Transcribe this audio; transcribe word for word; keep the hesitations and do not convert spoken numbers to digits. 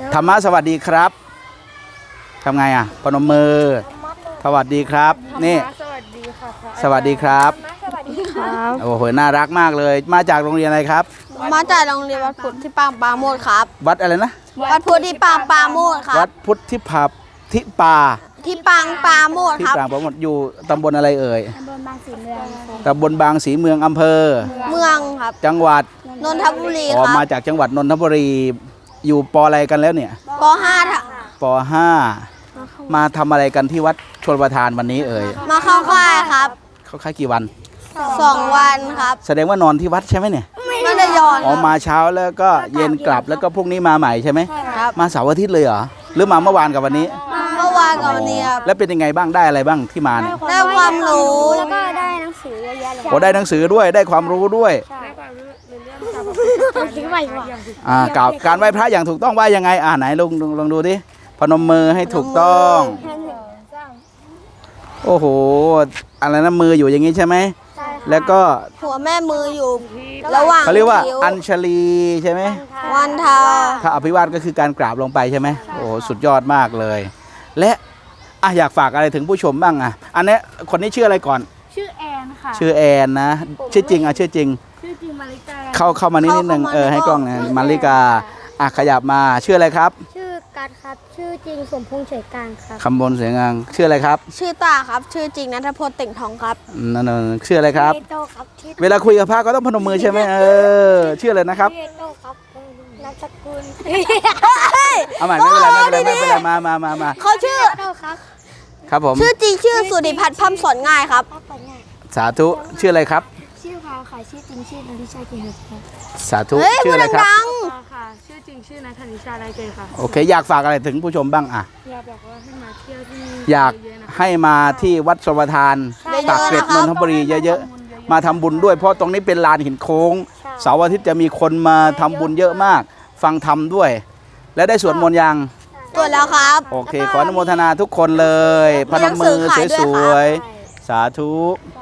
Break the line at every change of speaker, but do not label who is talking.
ธรรมะสวัสดีครับทำไงอ่ะปนมมือสวัสดีครับนี่
สวัสดีค่ะ
สวัสดีครับ
สวัสดีครับ
โอ้โหน่ารักมากเลยมาจากโรงเรียนอะไรครับ
มาจากโรงเรียนวัดพุทธที่ปางปาโมดครับ
วัดอะไรนะ
วัดพุทธที่ปางปาโมดครับ
วัดพุทธที่ผับที่ปา
ที่ปางปาโมด
ที่
ครับ
ปางปาโมดอยู่ตำบลอะไรเอ่ย
ตำบลบางสีเมือง
ตำบลบางสีเมืองอำเภอ
เมืองครับ
จังหวัด
นนทบุรี
อ๋อ
ครับ
มาจากจังหวัดนนทบุรีอยู่ปอะไรกันแล้วเนี่ย
ปห้า
ปห้ามาทำอะไรกันที่วัดชลประทานวันนี้เอ่ย
มาเข้าค่ายครับ
เขาค่ายกี่วัน
สองวันครับ
แสดงว่านอนที่วัดใช่ไหมเนี่ย
ไม่ได้ย้อน
อ๋อมาเช้าแล้วก็เย็นกลับแล้วก็พรุ่งนี้มาใหม่ใช่ไหม
ครับ
มาเสาร์อาทิตย์เลยเหรอหรือมาเมื่อวานกับวันนี้
เมื่อวานกับวันนี้ครับ
แล้วเป็นยังไงบ้างได้อะไรบ้างที่มาเนี่ย
ได้ความรู้
แล้วก็ได้หนังสือเยอะแยะเลย
โอ้ได้หนังสือด้วยได้ความรู้ด้วย
ได้ความรู้ในเรื่องการไหว้พระ
อ่ากล่าวการไหว้พระอย่างถูกต้องไหว้ยังไงอ่าไหนลองลองดูดิพนมมือให้ถูกต้องโอ้โหอะไรนะมืออยู่อย่างนี้ใช่ไหมแล้วก็
หัวแม่มืออยู่ระหว่าง
เขาเรียกว่าอัญชลีใช่ไหม
วันทา
ถ้าอภิวาทก็คือการกราบลงไปใช่ไหมโอ้สุดยอดมากเลยและอ่ะอยากฝากอะไรถึงผู้ชมบ้างอ่ะอันนี้คนนี้ชื่ออะไรก่อน
ชื่อแอนค่ะ
ชื่อแอนนะชื่อจริงอ่ะชื่อจริง
ชื่อจริงมาริกา
เข้าเข้ามานิดนิดนึงเออให้กล้องนะมาริกาอ่ะขยับมาชื่ออะไรครับ
ชื่อการครับชื่อจริงสมพงษ์เฉยกลางครับ
คำบนเสียงงางชื่ออะไรครับ
ชื่อตาครับชื่อจริงณัฐพลติ่งทองครับ
นั่นชื่ออะไรครับ
โตครับ
เวลาคุยกับพระก็ต้องพนมมือใช่ไหมเออชื่ออะไรนะครับ
โตครับนามสกุล
เอาใหม่ไม่เป็นไรไม่เป็นไรไม่เป็นไรมามามามา
เขาชื่อ
โตครับ
ครับผม
ชื่อจริงชื่อสุริพัฒน์พัมสอนง่ายครับ
สาธุชื่ออะไรครับ
ชื่อพาค่ะชื่อจริงชื่อนันทิชาเกษครับ
สาธุชื่ออะไรครับ
ค่ะชื่อจริงชื่อนัทนิชาไรเกษค่ะ
โอเคอยากฝากอะไรถึงผู้ชมบ้างอ่ะ
อยากบอกว่าให้มาเที่ยวที่
อยากให้มาที่วัดชลประทานปากเกร็ดนนทบุรีเยอะๆมาทำบุญด้วยเพราะตรงนี้เป็นลานหินโค้งเสาร์อาทิตย์จะมีคนมาทำบุญเยอะมากฟังธรรมด้วยและได้สวดมนต์ยัง
สวดแล้วครับ
โอเคขออนุโมทนาทุกคนเลยพนมมือสวยๆสาธุ
ส